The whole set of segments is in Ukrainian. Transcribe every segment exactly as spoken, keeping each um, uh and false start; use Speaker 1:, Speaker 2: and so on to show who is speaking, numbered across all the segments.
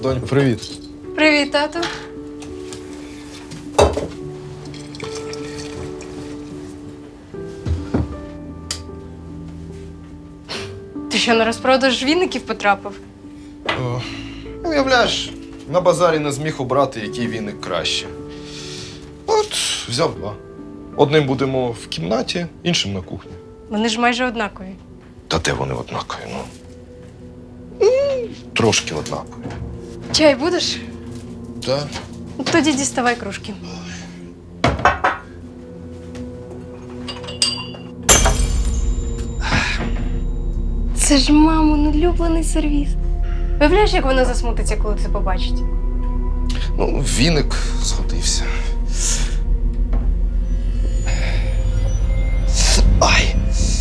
Speaker 1: Донь, привіт.
Speaker 2: Привіт, тату. Ти що, на розпродаж віників потрапив?
Speaker 1: О, уявляєш, на базарі не зміг обрати, який віник краще. От, взяв два. Одним будемо в кімнаті, іншим на кухні.
Speaker 2: Вони ж майже однакові.
Speaker 1: Та де вони однакові, ну? М, Трошки однакові.
Speaker 2: Чай будеш?
Speaker 1: Так.
Speaker 2: Тоді діставай кружки. Це ж мамин улюблений сервіс. Уявляєш, як вона засмутиться, коли це побачить?
Speaker 1: Ну, віник згодився. Ай!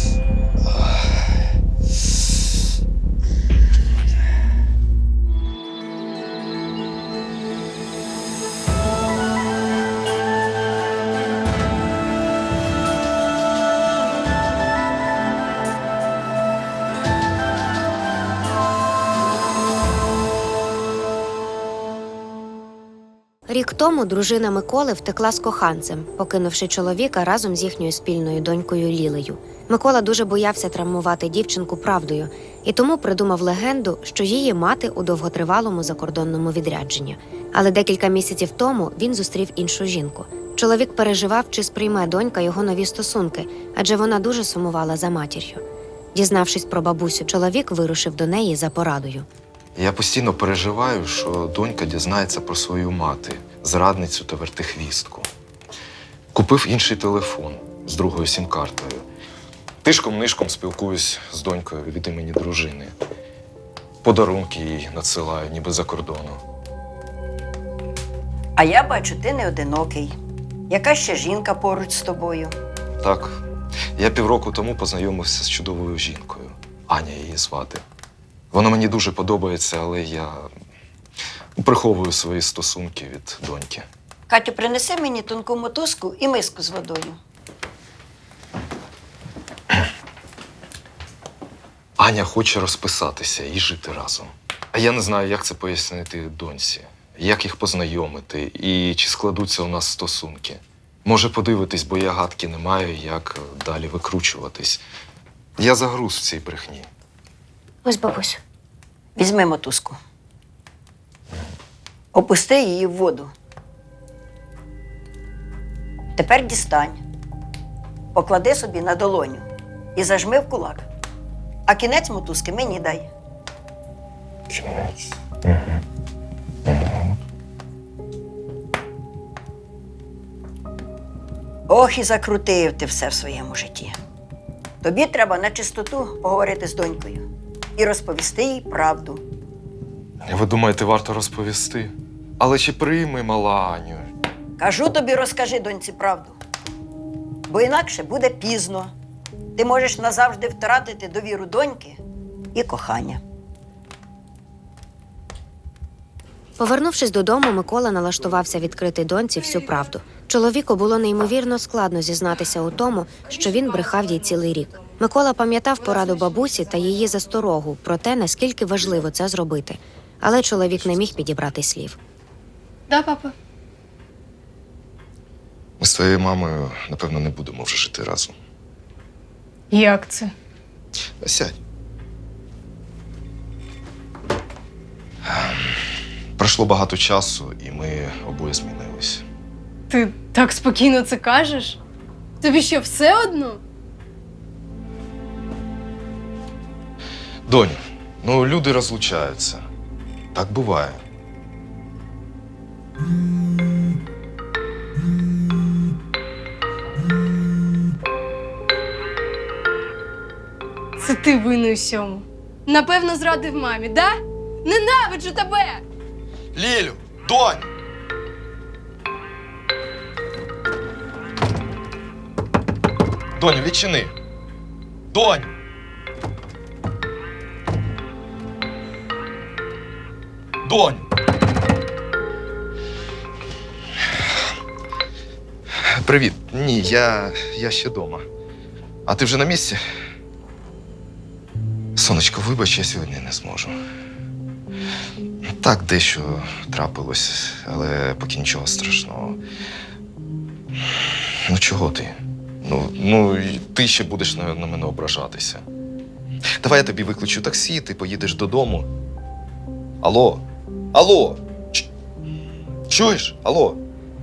Speaker 3: Рік тому дружина Миколи втекла з коханцем, покинувши чоловіка разом з їхньою спільною донькою Лілею. Микола дуже боявся травмувати дівчинку правдою і тому придумав легенду, що її мати у довготривалому закордонному відрядженні. Але декілька місяців тому він зустрів іншу жінку. Чоловік переживав, чи сприйме донька його нові стосунки, адже вона дуже сумувала за матір'ю. Дізнавшись про бабусю, чоловік вирушив до неї за порадою.
Speaker 1: Я постійно переживаю, що донька дізнається про свою мати, зрадницю та вертихвістку. Купив інший телефон з другою сім-картою. Тишком-нишком спілкуюсь з донькою від імені дружини. Подарунки їй надсилаю, ніби за кордону.
Speaker 4: А я бачу, ти не одинокий. Яка ще жінка поруч з тобою?
Speaker 1: Так, я півроку тому познайомився з чудовою жінкою. Аня її звати. Вона мені дуже подобається, але я приховую свої стосунки від доньки.
Speaker 4: Катю, принеси мені тонку мотузку і миску з водою.
Speaker 1: Аня хоче розписатися і жити разом. А я не знаю, як це пояснити доньці, як їх познайомити і чи складуться у нас стосунки. Може подивитись, бо я гадки не маю, як далі викручуватись. Я загруз в цій брехні.
Speaker 3: Ось, бабусю.
Speaker 4: Візьми мотузку. Опусти її в воду. Тепер дістань. Поклади собі на долоню і зажми в кулак. А кінець мотузки мені дай.
Speaker 1: Кінець.
Speaker 4: Ох, і закрутив ти все в своєму житті. Тобі треба на чистоту поговорити з донькою і розповісти їй правду.
Speaker 1: Ви думаєте, варто розповісти? Але чи прийме мала Аню?
Speaker 4: Кажу тобі, розкажи доньці правду. Бо інакше буде пізно. Ти можеш назавжди втратити довіру доньки і кохання.
Speaker 3: Повернувшись додому, Микола налаштувався відкрити доньці всю правду. Чоловіку було неймовірно складно зізнатися у тому, що він брехав їй цілий рік. Микола пам'ятав пораду бабусі та її засторогу про те, наскільки важливо це зробити. Але чоловік не міг підібрати слів.
Speaker 2: Да, папа?
Speaker 1: Ми з твоєю мамою, напевно, не будемо вже жити разом.
Speaker 2: Як це?
Speaker 1: Сядь. Пройшло багато часу, і ми обоє змінились.
Speaker 2: Ти так спокійно це кажеш? Тобі що, все одно?
Speaker 1: Доню, ну люди розлучаються. Так буває.
Speaker 2: Це ти винний усьому. Напевно, зрадив мамі, да? Ненавиджу тебе!
Speaker 1: Лілю! Донь! Доню, відчини! Донь! Донь! Привіт. Ні, я, я ще вдома. А ти вже на місці? Сонечко, вибач, я сьогодні не зможу. Так, дещо трапилось, але поки нічого страшного. Ну чого ти? Ну, ну і ти ще будеш на, на мене ображатися. Давай я тобі викличу таксі, ти поїдеш додому. Алло? Алло? Ч- Чуєш? Алло?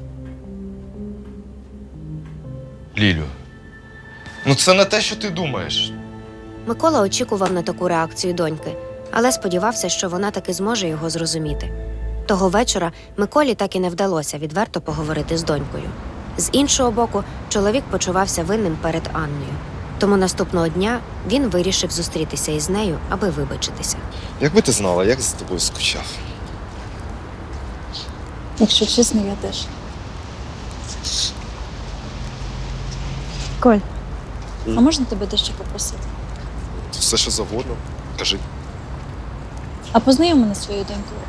Speaker 1: Лілю, ну це не те, що ти думаєш.
Speaker 3: Микола очікував на таку реакцію доньки, але сподівався, що вона таки зможе його зрозуміти. Того вечора Миколі так і не вдалося відверто поговорити з донькою. З іншого боку, чоловік почувався винним перед Анною. Тому наступного дня він вирішив зустрітися із нею, аби вибачитися.
Speaker 1: Якби ти знала, як за тобою скучав.
Speaker 5: Якщо чесно, я теж. Коль, а можна тебе дещо попросити?
Speaker 1: Все, що завгодно. Кажи.
Speaker 5: А познайом мене з своєю донькою.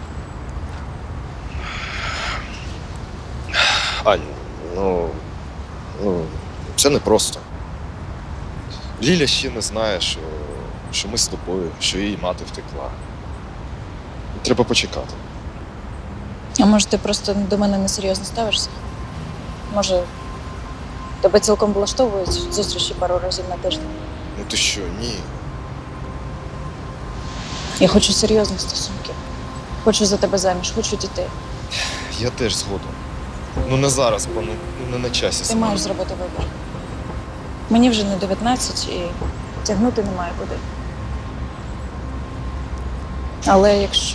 Speaker 1: Ань, ну, ну, це непросто. Ліля ще не знає, що, що ми з тобою, що її мати втекла. Треба почекати.
Speaker 5: А може, ти просто до мене несерйозно ставишся? Може, тебе цілком влаштовують зустрічі пару разів на тиждень?
Speaker 1: Ну ти що, ні.
Speaker 5: Я хочу серйозних стосунків. Хочу за тебе заміж, хочу дітей.
Speaker 1: Я теж згодом. Ну не зараз, бо ну, не на часі.
Speaker 5: Ти
Speaker 1: саме.
Speaker 5: маєш зробити вибір. Мені вже не дев'ятнадцять і тягнути немає куди. Але якщо.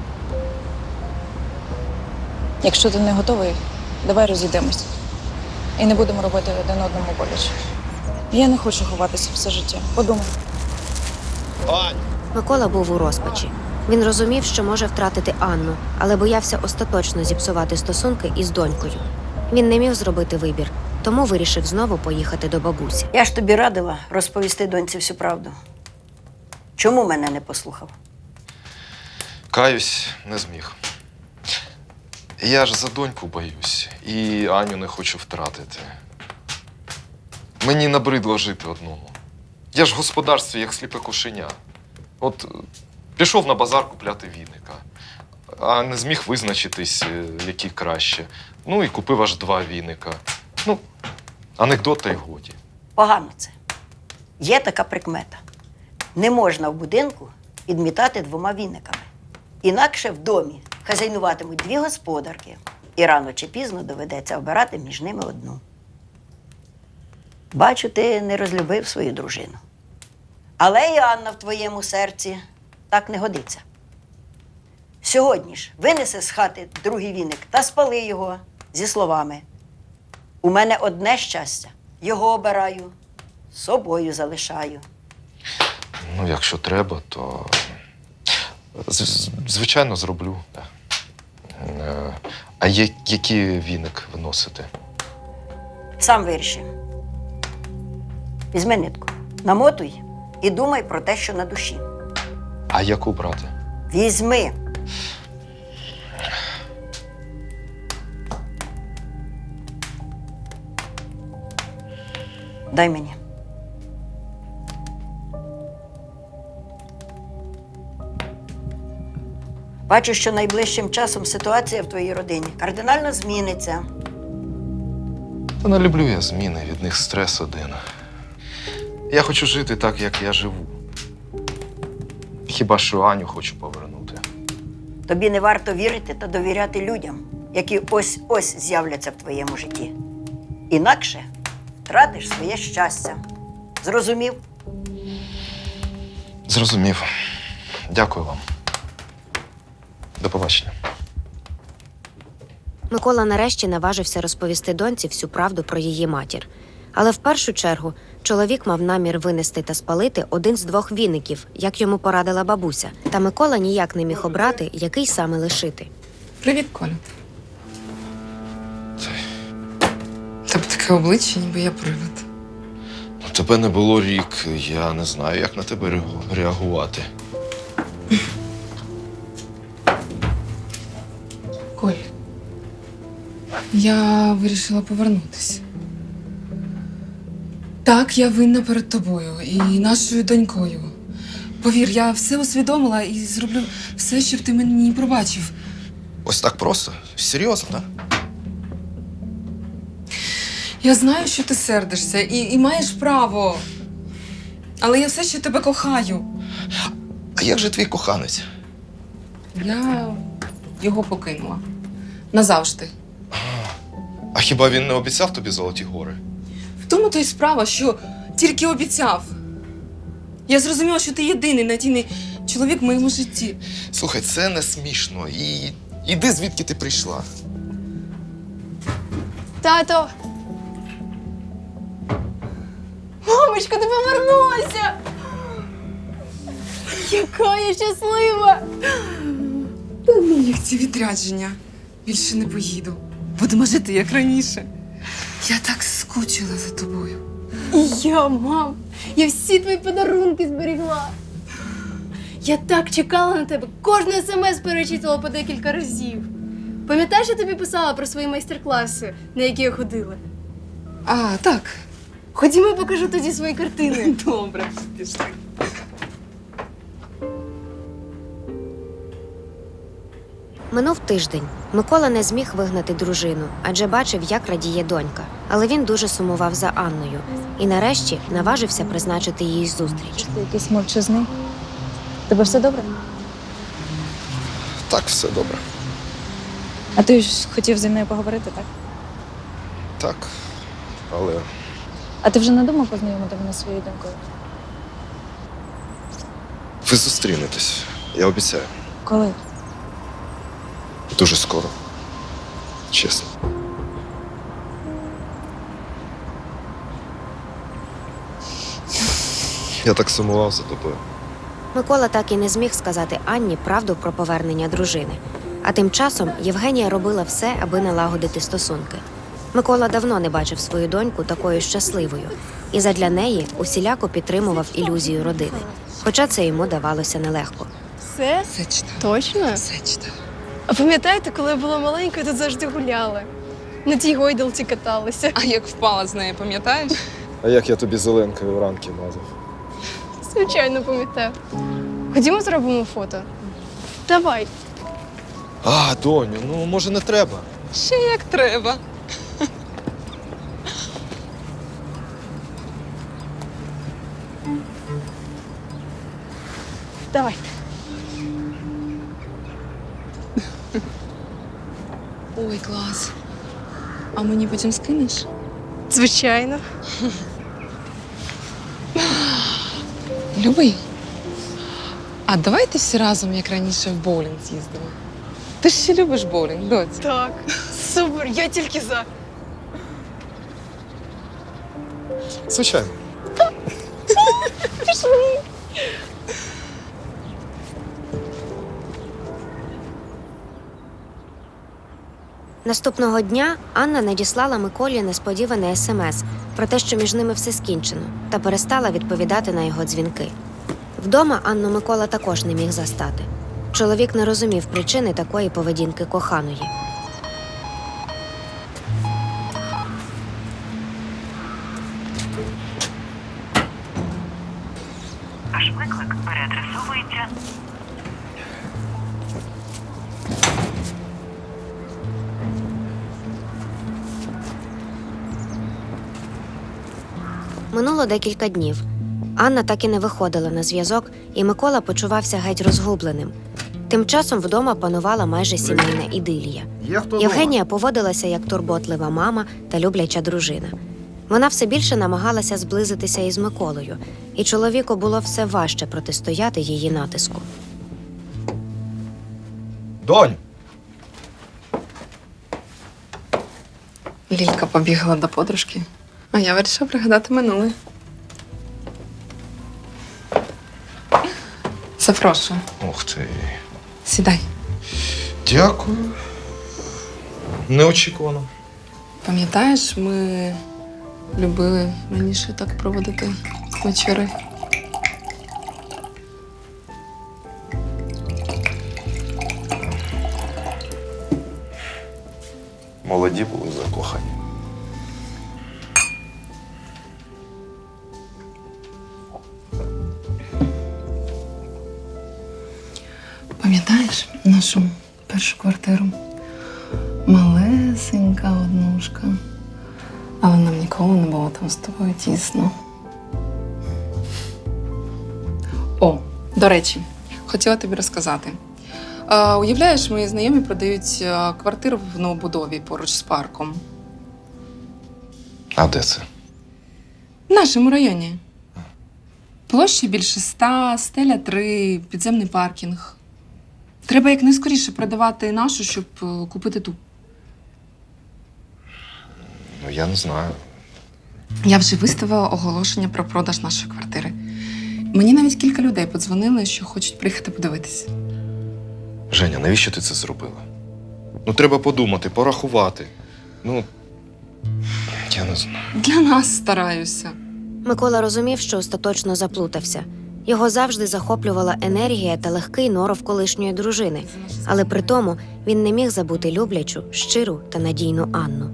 Speaker 5: Якщо ти не готовий, давай розійдемось. І не будемо робити один одному боляче. Я не хочу ховатися все життя. Подумай.
Speaker 1: Ань!
Speaker 3: Микола був у розпачі. Він розумів, що може втратити Анну, але боявся остаточно зіпсувати стосунки із донькою. Він не міг зробити вибір, тому вирішив знову поїхати до бабусі.
Speaker 4: Я ж тобі радила розповісти доньці всю правду. Чому мене не послухав?
Speaker 1: Каюсь, не зміг. Я ж за доньку боюсь і Аню не хочу втратити. Мені набридло жити одному. Я ж в господарстві, як сліпе кошеня. От е, пішов на базар купляти віника, а не зміг визначитись, е, які краще. Ну і купив аж два віника. Ну, анекдот та й годі.
Speaker 4: Погано це. Є така прикмета. Не можна в будинку підмітати двома віниками. Інакше в домі хазяйнуватимуть дві господарки, і рано чи пізно доведеться обирати між ними одну. Бачу, ти не розлюбив свою дружину. Але і Анна в твоєму серці так не годиться. Сьогодні ж винеси з хати другий віник та спали його зі словами: «У мене одне щастя, його обираю, собою залишаю».
Speaker 1: Ну, якщо треба, то з- з- звичайно зроблю. Е, А є, який віник виносити?
Speaker 4: Сам виріши. Візьми нитку, намотуй і думай про те, що на душі.
Speaker 1: А яку брати?
Speaker 4: Візьми. Дай мені. Бачу, що найближчим часом ситуація в твоїй родині кардинально зміниться.
Speaker 1: Та не люблю я зміни, від них стрес один. Я хочу жити так, як я живу. Хіба що Аню хочу повернути.
Speaker 4: Тобі не варто вірити та довіряти людям, які ось-ось з'являться в твоєму житті. Інакше втратиш своє щастя. Зрозумів?
Speaker 1: Зрозумів. Дякую вам. До побачення.
Speaker 3: Микола нарешті наважився розповісти доньці всю правду про її матір. Але в першу чергу чоловік мав намір винести та спалити один з двох віників, як йому порадила бабуся. Та Микола ніяк не міг обрати, який саме лишити.
Speaker 6: Привіт, Коля. Тебе таке обличчя, ніби я привид.
Speaker 1: Ну, тебе не було рік. Я не знаю, як на тебе реагу- реагувати.
Speaker 6: Коль, я вирішила повернутися. Так, я винна перед тобою і нашою донькою. Повір, я все усвідомила і зроблю все, щоб ти мені пробачив.
Speaker 1: Ось так просто? Серйозно, так?
Speaker 6: Я знаю, що ти сердишся і, і маєш право. Але я все ще тебе кохаю.
Speaker 1: А як же твій коханець?
Speaker 6: Я його покинула. Назавжди.
Speaker 1: А хіба він не обіцяв тобі золоті гори?
Speaker 6: В тому то й справа, що тільки обіцяв. Я зрозуміла, що ти єдиний надійний чоловік в моєму житті.
Speaker 1: Слухай, це не смішно. І іди звідки ти прийшла.
Speaker 2: Тато! Мамочка, ти повернулася! Яка я щаслива!
Speaker 6: Та ну їх ці відрядження. Більше не поїду. Будемо жити, як раніше. Я так скучила за тобою.
Speaker 2: І я, мам, я всі твої подарунки зберігла. Я так чекала на тебе, кожну смс перечитувала по декілька разів. Пам'ятаєш, я тобі писала про свої майстер-класи, на які я ходила?
Speaker 6: А, так.
Speaker 2: Ходімо, покажу тоді свої картини.
Speaker 6: Добре, пішли.
Speaker 3: Минув тиждень. Микола не зміг вигнати дружину, адже бачив, як радіє донька. Але він дуже сумував за Анною і нарешті наважився призначити їй зустріч.
Speaker 5: Ти якийсь мовчазний. Тебе все добре?
Speaker 1: Так, все добре.
Speaker 5: А ти ж хотів зі мною поговорити, так?
Speaker 1: Так. Але
Speaker 5: А ти вже не думав познайомити мене зі своєю донькою?
Speaker 1: ви зустрінетесь. Я обіцяю.
Speaker 5: Коли?
Speaker 1: Дуже скоро. Чесно. Я так сумував за тобою.
Speaker 3: Микола так і не зміг сказати Анні правду про повернення дружини. А тим часом Євгенія робила все, аби налагодити стосунки. Микола давно не бачив свою доньку такою щасливою, і задля неї усіляко підтримував ілюзію родини. Хоча це йому давалося нелегко.
Speaker 2: Все?
Speaker 6: Все читав.
Speaker 2: Точно?
Speaker 6: Все читав.
Speaker 2: А пам'ятаєте, коли я була маленькою, тут завжди гуляли? На тій гойдалці каталися.
Speaker 6: А як впала з неї, пам'ятаєш?
Speaker 1: А як я тобі зеленкою ранки мазав?
Speaker 2: Звичайно, пам'ятаю. Ходімо, зробимо фото. Давай.
Speaker 1: А, доню, ну може не треба.
Speaker 6: Ще як треба.
Speaker 2: Давай.
Speaker 6: Ой, клас. А мені потім скинеш?
Speaker 2: Звичайно.
Speaker 6: Любий. А давайте всі разом, як раніше, в боулінг з'їздимо. Ти ж ще любиш боулінг, доць?
Speaker 2: Так. Супер, я тільки за.
Speaker 1: Звичайно.
Speaker 3: Наступного дня Анна надіслала Миколі несподіване смс про те, що між ними все скінчено, та перестала відповідати на його дзвінки. Вдома Анну Микола також не міг застати. Чоловік не розумів причини такої поведінки коханої.
Speaker 7: Ваш виклик переадресовується.
Speaker 3: Минуло декілька днів. Анна так і не виходила на зв'язок, і Микола почувався геть розгубленим. Тим часом вдома панувала майже сімейна ідилія. Євгенія поводилася як турботлива мама та любляча дружина. Вона все більше намагалася зблизитися із Миколою, і чоловіку було все важче протистояти її натиску.
Speaker 1: Донь!
Speaker 6: Лілька побігла до подружки, а я вирішила пригадати минуле. Запрошую.
Speaker 1: Ух ти.
Speaker 6: Сідай.
Speaker 1: Дякую. Неочікувано.
Speaker 6: Пам'ятаєш, ми любили раніше так проводити вечори?
Speaker 1: Молоді були закохані.
Speaker 6: Пам'ятаєш нашу першу квартиру? Малесенька однушка. Але нам ніколи не було там з тобою тісно. О, до речі, хотіла тобі розказати. Е, уявляєш, мої знайомі продають е, квартиру в новобудові поруч з парком.
Speaker 1: А де це?
Speaker 6: В нашому районі. Площа більше ста, стеля три, підземний паркінг. Треба якнайскоріше продавати нашу, щоб е, купити ту.
Speaker 1: Ну, я не знаю.
Speaker 6: Я вже виставила оголошення про продаж нашої квартири. Мені навіть кілька людей подзвонили, що хочуть приїхати подивитися.
Speaker 1: Женя, навіщо ти це зробила? Ну, треба подумати, порахувати. Ну, я не знаю.
Speaker 6: Для нас стараюся.
Speaker 3: Микола розумів, що остаточно заплутався. Його завжди захоплювала енергія та легкий норов колишньої дружини. Але при тому він не міг забути люблячу, щиру та надійну Анну.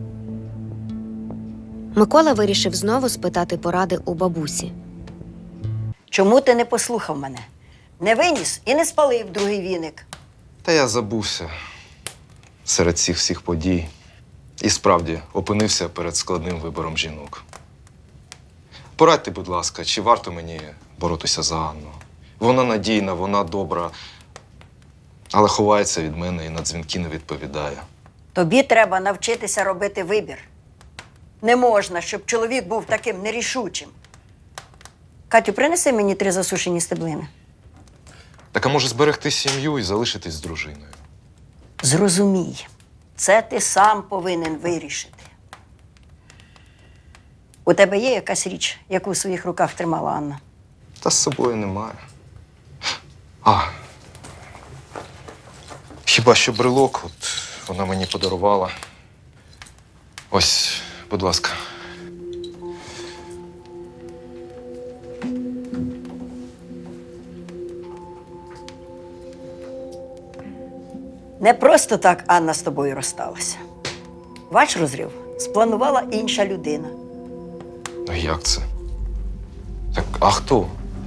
Speaker 3: Микола вирішив знову спитати поради у бабусі.
Speaker 4: Чому ти не послухав мене? Не виніс і не спалив другий віник.
Speaker 1: Та я забувся серед цих всіх подій. І справді опинився перед складним вибором жінок. Порадьте, будь ласка, чи варто мені боротися за Анну? Вона надійна, вона добра, але ховається від мене і на дзвінки не відповідає.
Speaker 4: Тобі треба навчитися робити вибір. Не можна, щоб чоловік був таким нерішучим. Катю, принеси мені три засушені стеблини.
Speaker 1: Так а може зберегти сім'ю і залишитись з дружиною?
Speaker 4: Зрозумій, це ти сам повинен вирішити. У тебе є якась річ, яку в своїх руках тримала Анна?
Speaker 1: Та з собою немає. А. Хіба що брелок, от вона мені подарувала. Ось, будь ласка.
Speaker 4: Не просто так Анна з тобою розсталася. Ваш розрив спланувала інша людина.
Speaker 1: Ну як це? Так, а хто?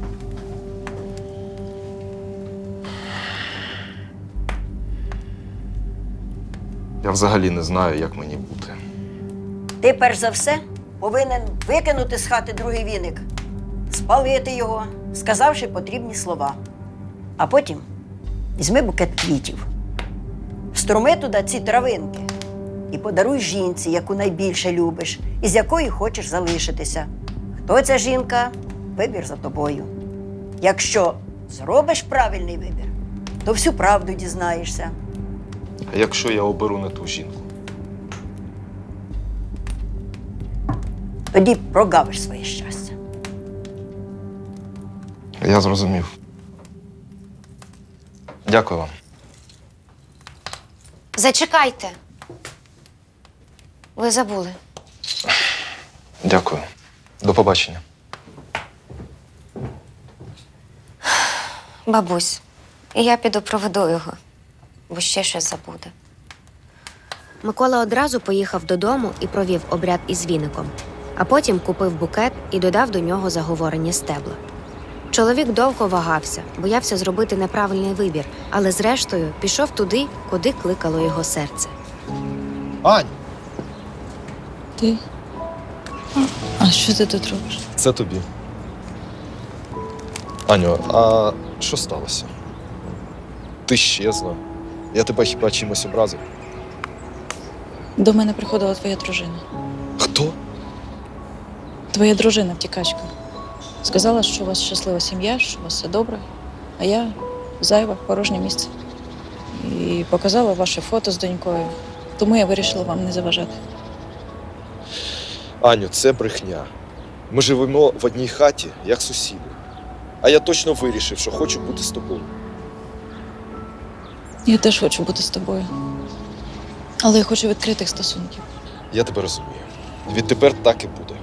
Speaker 1: Я взагалі не знаю, як мені бути.
Speaker 4: Ти, перш за все, повинен викинути з хати другий віник, спалити його, сказавши потрібні слова. А потім візьми букет квітів, вструми туди ці травинки і подаруй жінці, яку найбільше любиш і з якою хочеш залишитися. Хто ця жінка – вибір за тобою. Якщо зробиш правильний вибір, то всю правду дізнаєшся.
Speaker 1: А якщо я оберу не ту жінку?
Speaker 4: Тоді прогавиш своє щастя.
Speaker 1: Я зрозумів. Дякую вам.
Speaker 3: Зачекайте. Ви забули.
Speaker 1: Дякую. До побачення.
Speaker 3: Бабусь, я піду проведу його, бо ще щось забуде. Микола одразу поїхав додому і провів обряд із віником, а потім купив букет і додав до нього заговорені стебла. Чоловік довго вагався, боявся зробити неправильний вибір, але зрештою пішов туди, куди кликало його серце.
Speaker 1: Ань!
Speaker 5: Ти? А що ти тут робиш?
Speaker 1: Це тобі. Аню, а що сталося? Ти щезла. Я тебе хіба чимось образив?
Speaker 5: До мене приходила твоя дружина.
Speaker 1: Хто?
Speaker 5: Твоя дружина, втікачка. Сказала, що у вас щаслива сім'я, що у вас все добре, а я зайва, порожнє місце. І показала ваше фото з донькою. Тому я вирішила вам не заважати.
Speaker 1: Аню, це брехня. Ми живемо в одній хаті, як сусіди. А я точно вирішив, що хочу бути з тобою.
Speaker 5: Я теж хочу бути з тобою. Але я хочу відкритих стосунків.
Speaker 1: Я тебе розумію. Відтепер так і буде.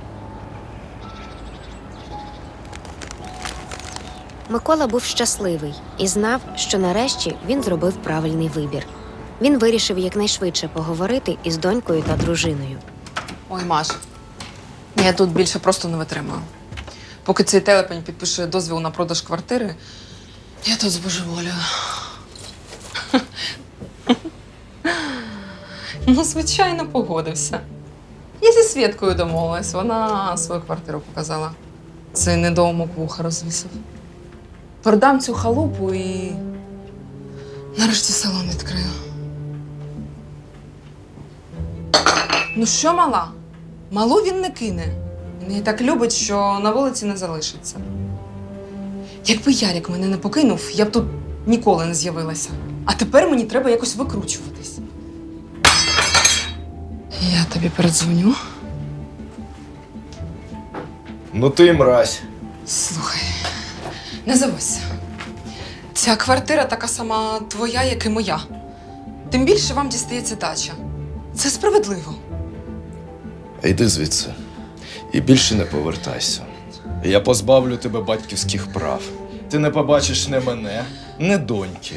Speaker 3: Микола був щасливий і знав, що нарешті він зробив правильний вибір. Він вирішив якнайшвидше поговорити із донькою та дружиною.
Speaker 6: Ой, Маш, я тут більше просто не витримаю. Поки цей телепень підпише дозвіл на продаж квартири, я тут збожеволюю. Ну, звичайно, погодився. Я зі Свєткою домовилась, вона свою квартиру показала. Цей недоумок вуха розвісив. Продам цю халупу і нарешті салон відкрию. Ну що, мала? Малу він не кине. Він її так любить, що на вулиці не залишиться. Якби Ярик мене не покинув, я б тут ніколи не з'явилася. А тепер мені треба якось викручуватись. Я тобі передзвоню.
Speaker 1: Ну ти мразь.
Speaker 6: Слухай, не заводься. Ця квартира така сама твоя, як і моя. Тим більше вам дістається дача. Це справедливо.
Speaker 1: Йди звідси. І більше не повертайся. Я позбавлю тебе батьківських прав. Ти не побачиш не мене, не доньки.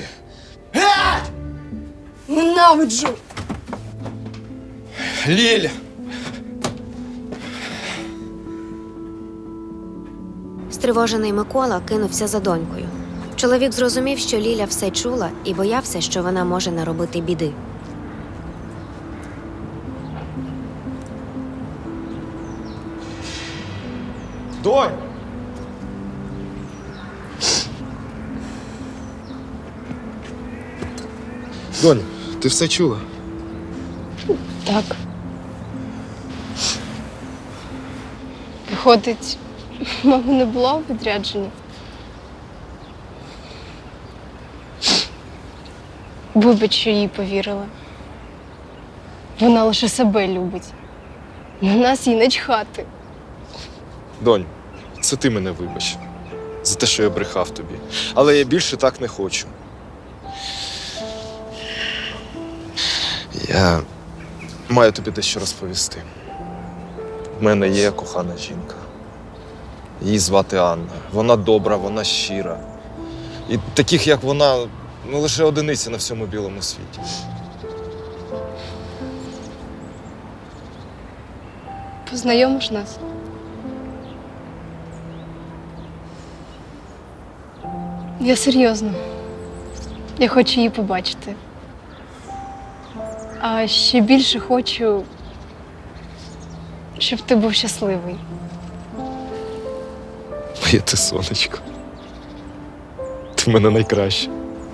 Speaker 2: Ненавиджу!
Speaker 1: Ліль!
Speaker 3: Стривожений Микола кинувся за донькою. Чоловік зрозумів, що Ліля все чула і боявся, що вона може наробити біди.
Speaker 1: Донь! Донь, ти все чула?
Speaker 2: Так. Виходить, мами не було у відрядженні. Вибач, що їй повірила. Вона лише себе любить. На нас їй начхати.
Speaker 1: Донь, це ти мене вибач. За те, що я брехав тобі. Але я більше так не хочу. Я маю тобі дещо розповісти. В мене є кохана жінка. Її звати Анна. Вона добра, вона щира. І таких, як вона, ну лише одиниці на всьому білому світі.
Speaker 2: Познайомиш нас? Я серйозно. Я хочу її побачити. А ще більше хочу, щоб ти був щасливий.
Speaker 1: Моє ти сонечко. Ти в мене найкраща.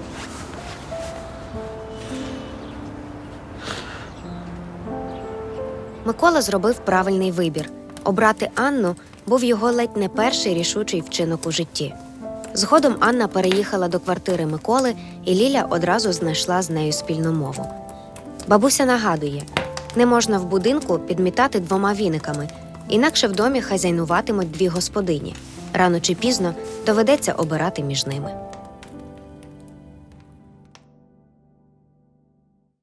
Speaker 3: Микола зробив правильний вибір. Обрати Анну був його ледь не перший рішучий вчинок у житті. Згодом Анна переїхала до квартири Миколи, і Ліля одразу знайшла з нею спільну мову. Бабуся нагадує, не можна в будинку підмітати двома віниками, інакше в домі хазяйнуватимуть дві господині. Рано чи пізно доведеться обирати між ними.